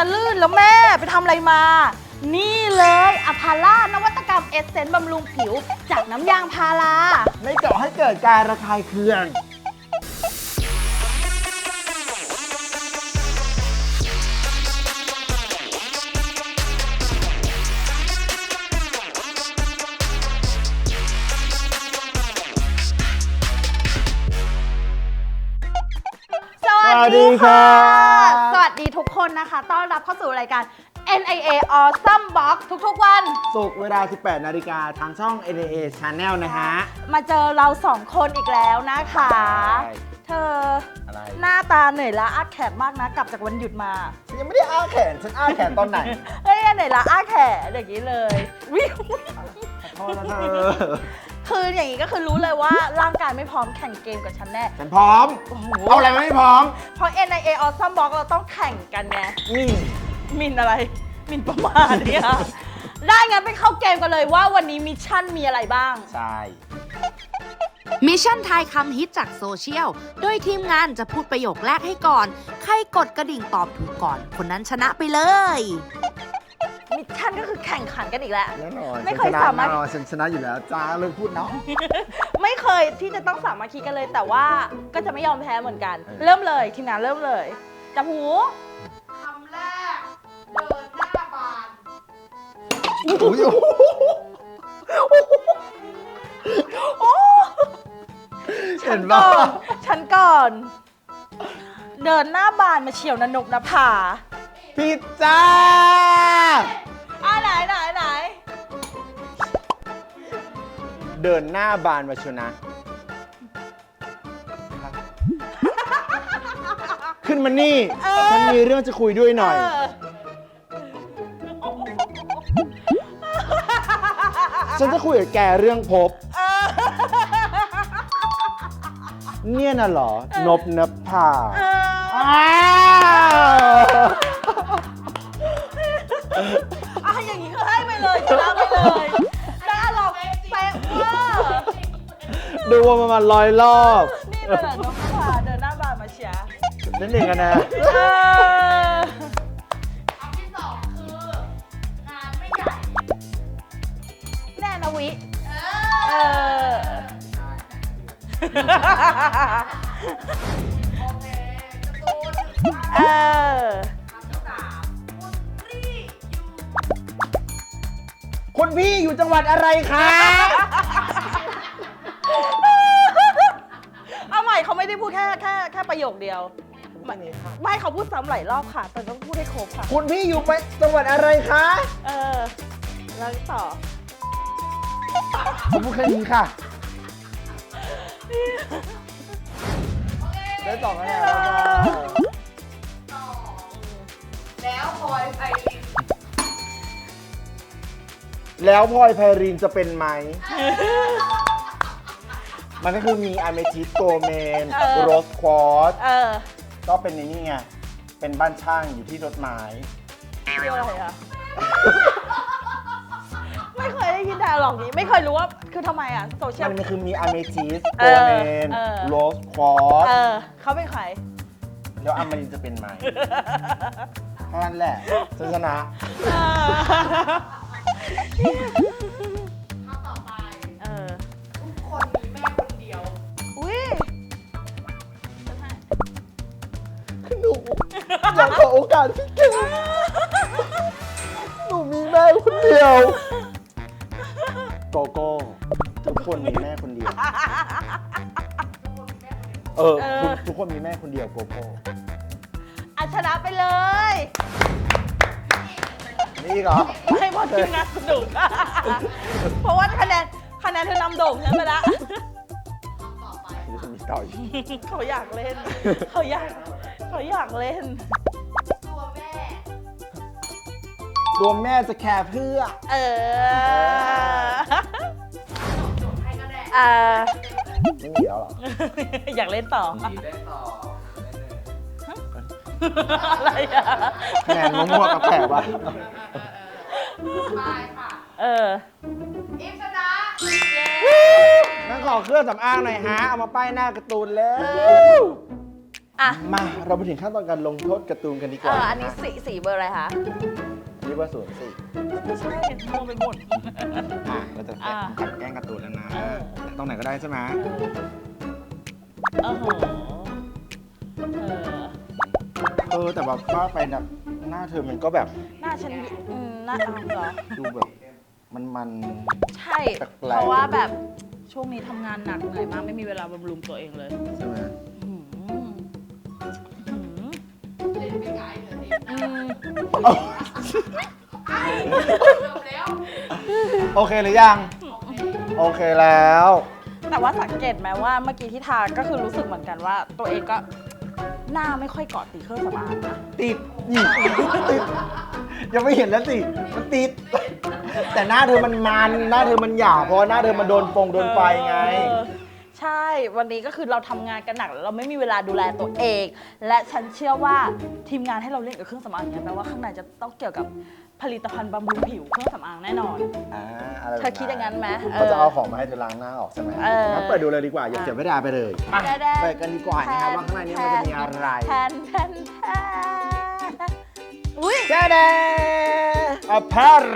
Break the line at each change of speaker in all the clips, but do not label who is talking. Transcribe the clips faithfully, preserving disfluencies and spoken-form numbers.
นะลื่นแล้วแม่ไปทำอะไรมานี่เลยอะพาร่านวัตกรรมเอสเซนต์บำรุงผิวจากน้ำยางพารา
ไม่ก่อให้เกิดการระคายเคือง
สวัสดีค่ะสวัสดีทุกคนนะคะต้อนรับเข้าสู่รายการ เอ็น ไอ เอ Awesome Box ทุกๆวัน
ศุกร์เวลา สิบแปดนาฬิกาทางช่อง เอ็น ไอ เอ Channel นะฮะ
มาเจอเราสองคนอีกแล้วนะคะเธออะไรหน้าตาเหนื่อยล้าอาแขนมากนะกลับจากวันหยุดมา
ฉันยังไม่ได้อ้าแขนฉันอ้าแขนตอนไหน
เฮ้ยเหนื่อยล้าอาแขนอย่างนี้เลยวิว
ขอโทษนะเธอ
คืออย่างนี้ก็คือรู้เลยว่าร่างกายไม่พร้อมแข่งเกมกับฉันแน่
ฉันพร้อมเอาอะไรไม่พร้อม
เพราะ เอ็น ไอ เอ Awesome Box เราต้องแข่งกันไง
มิน
มินอะไรมินประมาณเนี่ยได้งั้นไปเข้าเกมกันเลยว่าวันนี้มิชชั่นมีอะไรบ้าง
ใช่
มิชชั่นทายคำฮิตจากโซเชียลโดยทีมงานจะพูดประโยคแรกให้ก่อนใครกดกระดิ่งตอบถูกก่อนคนนั้นชนะไปเลย
มิชชั่นก็คือแข่งขันกันอีกแล้ว
แน่นอน
ไม่เคยสามารถ
ฉันชนะอยู่แล้วจ้าเลยพูดเนาะ
ไม่เคยที่จะต้องสามัคคีกันเลยแต่ว่าก็จะไม่ยอมแพ้เหมือนกันเริ่มเลยทีมงานเริ่มเลยจับหู
คำแรกเดินหน้าบาน
เห็นป่ะ
ฉันก่อนเดินหน้าบานมาเฉียวนนกนภา
พิซซ่า
อ่ะไหนไหนไหน
เดินหน้าบานมาชนะขึ้นมานี่ฉันมีเรื่องจะคุยด้วยหน่อยฉันจะคุยกับแกเรื่องพบเนี่ยน่ะเหรอนบนภา
อ่ะอย่างนี้ก็ให้ไปเลยชนะไปเลยได้หรอกแป๊ะว่า
ดูว่ามันมาลอยรอบ
นี่เป็นนบนภาเดินหน้าบานมาเชียร์
นั่นเองกันนะ
คำที่สองคืองานไม่ใหญ่
แน่นะวิ
เออโอเคตูน
เออ
คำที่สามคุณพี่อยู่
คุณพี่อยู่จังหวัดอะไรคะ
เอาใหม่เขาไม่ได้พูดแค่แค่แค่ประโยคเดียวไม่เขาพูดซ้ำหลายรอบค่ะแต่ต้องพูดให้ครบค่ะ
คุณพี่อยู่ไปจังหวัดอะไรคะ
เออแล้วต่อ
ผมพูดแค่นี้ค่ะได้ต่อกันแล้ว
ต่อแล้วพลอยไพริน
แล้วพลอยไพรินจะเป็นไหมมันก็คือมีอะเมทิสโกเมนโรสควอตซ์ก็เป็นในนี่ไงเป็นบ้านช่างอยู่ที่รถไม้
เรียกอะไรอ่ะไม่เคยได้ยินแต่หรอกนี้ไม่เคยรู้ว่าคือทำไมอ่ะโซเชียล
มันคือมีอะเมทิสโกเมนโรสควอตซ์
เขาเป็นใคร
แล้วอะมารินจะเป็นไหมเท่านั้นแหละชนะ
คำต่อไปทุกคนมีแม่คนเดียว
อุ้ย
หนูอยากขอโอกาสพี่เก่งหนูมีแม่คนเดียวโกโก้ทุกคนมีแม่คนเดียวเออทุกคนมีแม่คนเดียวโกโก้
อัชนะไปเลย
นี่เหรอ
ไม่พอทีมงานสนุกเพราะว่าคะแนนคะแนนเธอนำโด่งใช่ไหมล่ะ
ต่อไป
ต่อ
เขาอยากเล่นเขาอยากเขาอยากเล่น
ตัวแม่
ตัวแม่จะแคร์เพื่อ
เออ
จบให้ก็ได้
อ่า
ไม่มีแล้วหรอ
อยากเล่นต่อ
เล่นต่อ
อะไรอ่ะ
แหนมั่วๆกับแผลวะ
ไปค่ะ
เออ
อิฟชนะ
งั้นขอเครื่องสำอางหน่อยฮะเอามาป้ายหน้าการ์ตูนแล้ว
ออ่ะ
มาเราไปถึงขั้นตอนการลงโทษการ์ตูนกันดีก
เอ
ว่า
ออันนี้สีสีเบอร์อะไรคะ
นี่ว่าศูนย์สี่
ไม่ใช่มองไปหมด
อ่ะเราจะ
อ่า
กัดแกล้งการ์ตูนแล้วนะ
เออ
ตรงไหนก็ได้ใช่ไหม
โอ้โหเออ
เออแต่แบบว่าไปแบบหน้าเธอมันก็แบบ
หน้าฉันอืมหน้าเอาเหรอ
ดูแบบมันมัน
ใช่
แปลกๆ
เพราะว่าแบบช่วงนี้ทำงานหนักเหนื่อยมากไม่มีเวลาบำรุงตัวเองเลย
ใช่ไหม
อืมอืม
เล่นไม่ไกลเลยนี่
อืม
จบแล้ว
โอเคหรือยัง โอเคแล้ว
แต่ว่าสังเกตไหมว่าเมื่อกี้ที่ทาก็คือรู้สึกเหมือนกันว่า ตัวเองก็หน้าไม่ค่อยเกาะติดเครื่องสำอางนะ
ติดนี่ติดยังไม่เห็นแล้วสิมันติด แต่หน้าเธอมันมันหน้าเธอมันหยาบเพราะว่าหน้าเธอมันโดนฟงโดนไฟไง
เออใช่วันนี้ก็คือเราทำงานกันหนักแล้วเราไม่มีเวลาดูแลตัวเอง และฉันเชื่อว่าทีมงานให้เราเล่นกับเครื่องสำอางเนี่ยแปลว่าข้างในจะต้องเกี่ยวกับผลิตภัณฑ์บำรุงผิวเครื่องสำอางแน่นอน
อ่าอะไรแบบ
เธอคิดอย่างนั้นไหม
เขาจะเอาของมาให้เธอล้างหน้าออกใช่ไหม
เออ
งั้นเปิดดูเลยดีกว่า อย่าเสียเวลาไปเลยมา
ได้ๆ
เปิดกันดีกว่านะครับว่าข้างในนี้มันจะมีอะไร
แทนแทนแทนอุ้ย
แจ๊ดอพาระ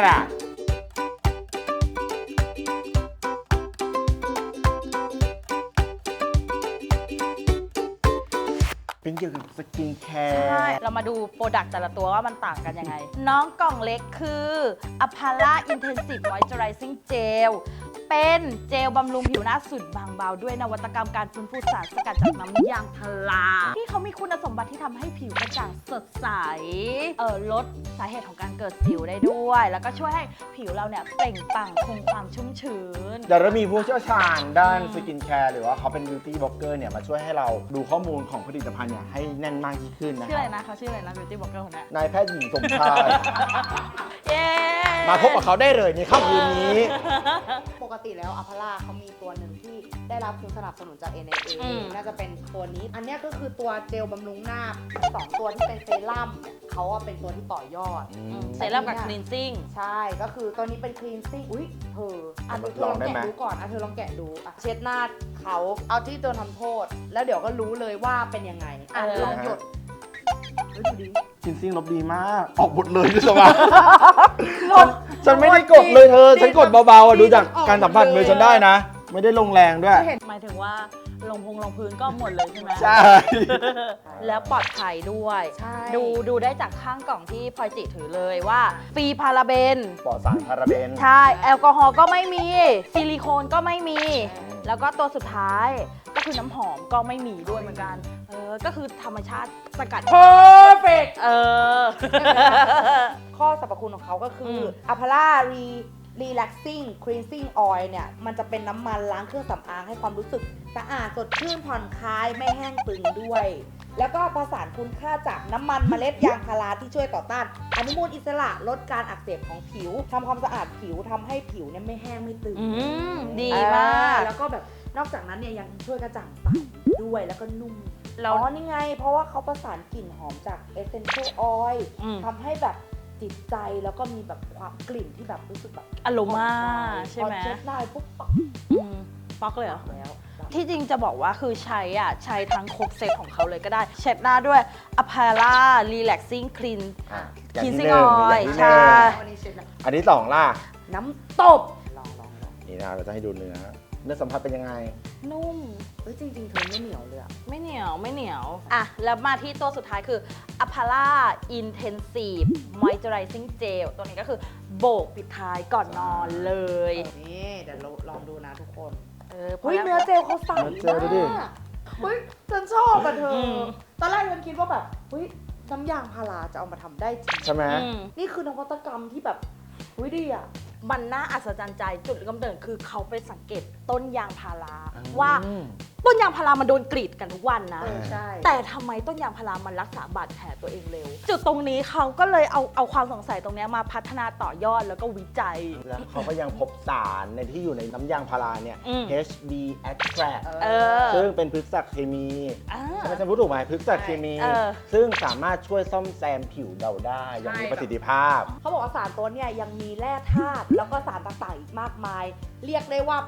เป็นเกี่ยวกับสกินแคร์
ใช่ เรามาดูโปรดักต์แต่ละตัวว่ามันต่างกันยังไง น้องกล่องเล็กคือ Apala Intensive Moisturizing Gel เป็นเจลบำรุงผิวหน้าสุดบางเบาด้วยนวัตกรรมการฟื้นฟูสารสกัดจากน้ำยางพาราที่เขามีคุณสมบัติที่ทำให้ผิวกระจ่างสดใสเออลดสาเหตุของการเกิดสิวได้ด้วย แล้วก็ช่วยให้ผิวเราเนี่ยเปล่งปลั่งคงความชุ่มชื้น
เดี๋ยวเรามีผู้เชี่ยวชาญด้านสกินแคร์หรือว่าเขาเป็นบิวตี้บล็อกเกอร์เนี่ยมาช่วยให้เราดูข้อมูลของผลิตภัณฑ์เนี่ยให้แน่นมากยิ่งขึ้นนะ
ชื่อ
ค
อะไร
รับ
นะเขาชื่ออะไรนะ beauty blogger คนนี้
นายแพทย์หญิงสมชาย
เย้
มาพบกับเขาได้เลยในค่ำคืนนี้
ปกติแล้วอัพาร่าเขามีตัวหนึ่งที่ได้รับทุนสนับสนุนจาก เอ็น เอ เอ น่าจะเป็นตัวนี้ อันเนี้ยก็คือตัวเจลบำรุงหน้าสองตัวที่เป็นเซรั่มเขาอะเป็นตัวที่ต่อยอด
เซรั่มกับ cleansing
ใช่ ก็คือตัวนี้เป็นคลีนซิ่งอุ้ยเธออ่ะเธอลองแกะดูก่อนอ่ะเธอลองแกะดูอ่ะเช็ดหน้าเขาเอาที่ตัวทำโทษ แล้วเดี๋ยวก็รู้เลยว่าเป็นยังไงอ่ะ
เออ
ลองหยดเฮ้ยดูดิ
คินซิ่งลบดีมาก ออกหมดเลยด้วยซ้ำฉันฉันไม่ได้กดเลยเธอ ฉันกดเบาๆอ่ะดูจากการสัมผัสมือฉันได้นะ ไม่ได้ลงแรงด้วย
หมายถึงว่าลงพงลงพื้นก็หมดเลยใช่ไหม
ใช่
แล้วปลอดภัยด้วย
ใช่
ดูดูได้จากข้างกล่องที่พลอยจิถือเลยว่าฟรีพาราเบน
ปลอดสารพาราเบน
ใช่ แอลกอฮอล์ก็ไม่มี ซิลิโคนก็ไม่มี แล้วก็ตัวสุดท้ายก็คือน้ำหอมก็ไม่มีด้วยเหมือนกัน เออ ก็คือธรรมชาติสกัด
perfect
เออ
ข้อสรรพคุณของเขาก็คือ
ม
a p a l a Re Relaxing Cleansing Oil เนี่ย มันจะเป็นน้ำมันล้างเครื่องสำอางให้ความรู้สึกสะอาดสดชื่นผ่อนคลายไม่แห้งตึงด้วย แล้วก็ประสานคุณค่าจากน้ำมันเมล็ดยางพาราที่ช่วยต่อต้านอนุมูลอิสระลดการอักเสบของผิวทำความสะอาดผิวทำให้ผิวเนี่ยไม่แห้งไม่ตึง
อืม ดี
อ่
มาก
แล้วก็แบบนอกจากนั้นเนี่ยยังช่วยกระจ่างใสด้วยแล้วก็นุ่ม
แล้ว
อ๋อนี่ไง เพราะว่าเขาประสานกลิ่นหอมจาก Essential Oil
อืม
ทำให้แบบจิตใจแล้วก็มีแบบความกลิ่นที่แบบรู้สึกแบบ
อโรมา
ผ่อนคลาย
ใช่ไหม
พอเช็ดหน้าปุ๊บปัก
อืมป๊อกเลยเหรอ
แล้ว
ที่จริงจะบอกว่าคือใช้อ่ะ ใช้ทั้งครบเซตของเขาเลยก็ได้ เช็ดหน้าด้วย Apala Relaxing Clean
อ่ะอย่างที่
Cleansing
หนึ่ง
Oil
อย่างที่ห
ใช่
นึ่ง
วันนี้เช็ดแล้ว
อันที่สองล่ะ
น้ำตบลองลองลอง
นี่นะเราจะให้ดูเนื้อ เนื้อสัมผัสเป็นยังไง
นุ่ม
เฮ้ยจริงๆเธอไม่เหนียวเลยอะ
ไม่เหนียวไม่เหนียว อ่ะ แล้วมาที่ตัวสุดท้ายคือ Apala Intensive Moisturizing Gel ตัวนี้ก็คือโบกปิดท้ายก่อนนอนเลย
นี่เดี๋ยวเราลองดูนะทุกคน
เออพ
เฮ้ย
แล้ว
เนื้อเจลเขาใส
เนื้อเจลดูดิ
มากเฮ้ยฉันชอบอะเธออ
ม
ตอนแรกฉันคิดว่าแบบเฮ้ยน้ำยางพาราจะเอามาทำได้จริง
ใช่ไหม
อืม
นี่คือนวัตกรรมที่แบบเฮ้ยดีอะ
มันน่าอัศจรรย์ใจจุดกำเนิดคือเขาไปสังเกตต้นยางพารา
อืม
ว่าต้นยางพารามันโดนกรีดกันทุกวันนะ
เออใช่
แต่ทำไมต้นยางพารามันรักษาบาดแผลตัวเองเร็ว จุดตรงนี้เขาก็เลยเอาเอาความสงสัยตรงเนี้ยมาพัฒนาต่อยอดแล้วก็วิจัย
แล้วเขาก็ยังพบสารในที่อยู่ในน้ำยางพาราเนี่ย
อืม
เอช บี extract
เออ
ซึ่งเป็นพฤกษเคมี
อ่า
ใช่ไหมฉันพูดถูกไหมพฤกษเคมี
เออ
ซึ่งสามารถช่วยซ่อมแซมผิวเราได้อย่างมีประสิทธิภาพ
เขาบอกว่าสารตัวเนี่ยยังมีแร่ธาตุแล้วก็สารต่างๆอีกมากมาย เรียกได้ว่าเป็น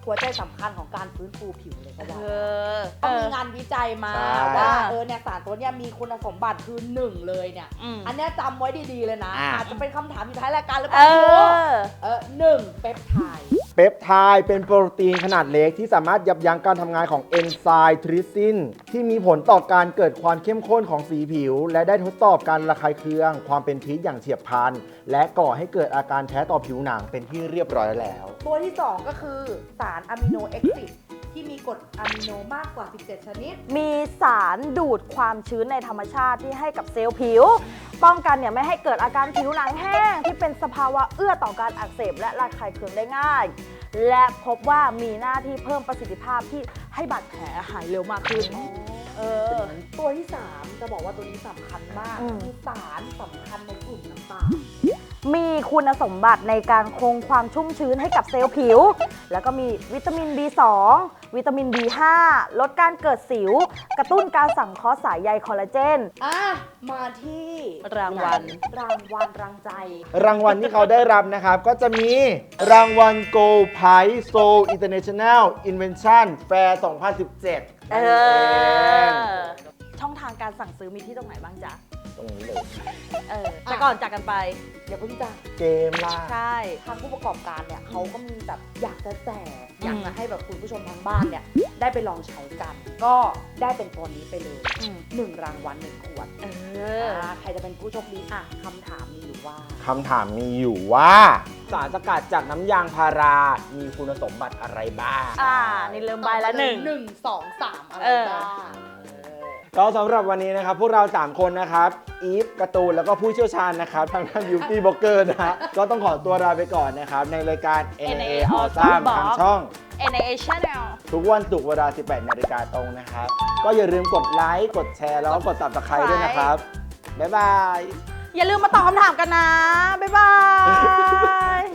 หัวใจสำคัญของการฟื้นฟูผิวเลยก็
เอ
ว่า
อ
ก็มีงานวิจัยมา
ใช่
ว่าเออเนี่ยสารตัวเนี้ยมีคุณสมบัติคือหนึ่งเลยเนี่ย
อืม
อันเนี้ยจำไว้ดีๆเลยนะ
อ่ะ
อาจจะเป็นคำถามอยู่ท้ายรายการหรือเป
เอ
ล่า
อ
เออหนึ่งเปปไทด์
เปปไทด์เป็นโปรตีนขนาดเล็กที่สามารถยับยั้งการทำงานของเอนไซม์ทริปซินที่มีผลต่อการเกิดความเข้มข้นของสีผิว และได้ทดสอบการระคายเคือง ความเป็นพิษอย่างเฉียบพลัน และก่อให้เกิดอาการแพ้ต่อผิวหนังเป็นที่เรียบร้อยแล้ว
ตัวที่สองก็คือสารอะมิโนเอ็กซิสที่มีกรดอะมิโนมากกว่า สิบเจ็ด ชนิด
มีสารดูดความชื้นในธรรมชาติที่ให้กับเซลล์ผิว ป้องกันเนี่ยไม่ให้เกิดอาการผิวหนังแห้ง ที่เป็นสภาวะเอื้อต่อการอักเสบและระคายเคืองได้ง่าย และพบว่ามีหน้าที่เพิ่มประสิทธิภาพที่ให้บาดแผลหายเร็วมากขึ้น เออ
ตัวที่สามจะบอกว่าตัวนี้สำคัญมาก
อืม
คือสารสำคัญในกลุ่มน้ำตาล
มีคุณสมบัติในการคงความชุ่มชื้นให้กับเซลล์ผิว แล้วก็มีวิตามิน บี สอง วิตามิน บี ห้า ลดการเกิดสิว กระตุ้นการสังเคราะห์สายใยคอลลาเจน
อ่ะ มาที่
รางวัล
รางวัลรางใจ
รางวัลที่เขาได้รับนะครับ ก็จะมีรางวัล Gold Prize Seoul International Invention Fair สองพันสิบเจ็ด
เอ
นั่นเอง
อ ช่องทางการสั่งซื้อมีที่ตรงไหนบ้างจ๊ะ
ตรงนี้เลย
เออแต่ก่อนจากกันไป
เดี๋ยวเพิ่งจะ
เกมล่า
ใช่
ทางผู้ประกอบการเนี่ยเขาก็มีแบบอยากจะแจก
อืม
อยากจะให้แบบคุณผู้ชมทางบ้านเนี่ยได้ไปลองใช้กัน ก็ได้เป็นตัวนี้ไปเลย
อืม
หนึ่งรางวัลหนึ่งขวด
เออ
อ่าใครจะเป็นผู้โชคดีอ่ะคำถามมีอยู่ว่า
คำถามมีอยู่ว่า สารสกัดจากน้ำยางพารา มีคุณสมบัติอะไรบ้าง
อ่า นี่เริ่มใบละหนึ่ง
หนึ่งสองสามอะไร
เออ
บ้าง
ก็สำหรับวันนี้นะครับ พวกเรา สาม คนนะครับ อีฟการ์ตูน แล้วก็ผู้เชี่ยวชาญนะครับ ทางด้าน Beauty Blogger นะฮะ ก็ต้องขอตัวลาไปก่อนนะครับ ในรายการ เอ็น เอ Awesome ทางช่อง
เอ็น เอ Channel
ทุกวันศุกร์เวลา สิบแปดนาฬิกาตรงนะครับ ก็อย่าลืมกดไลค์ กดแชร์ แล้วก็กด Subscribe ด้วยนะครับ บ๊ายบาย
อย่าลืมมาตอบคำถามกันนะ บ๊ายบาย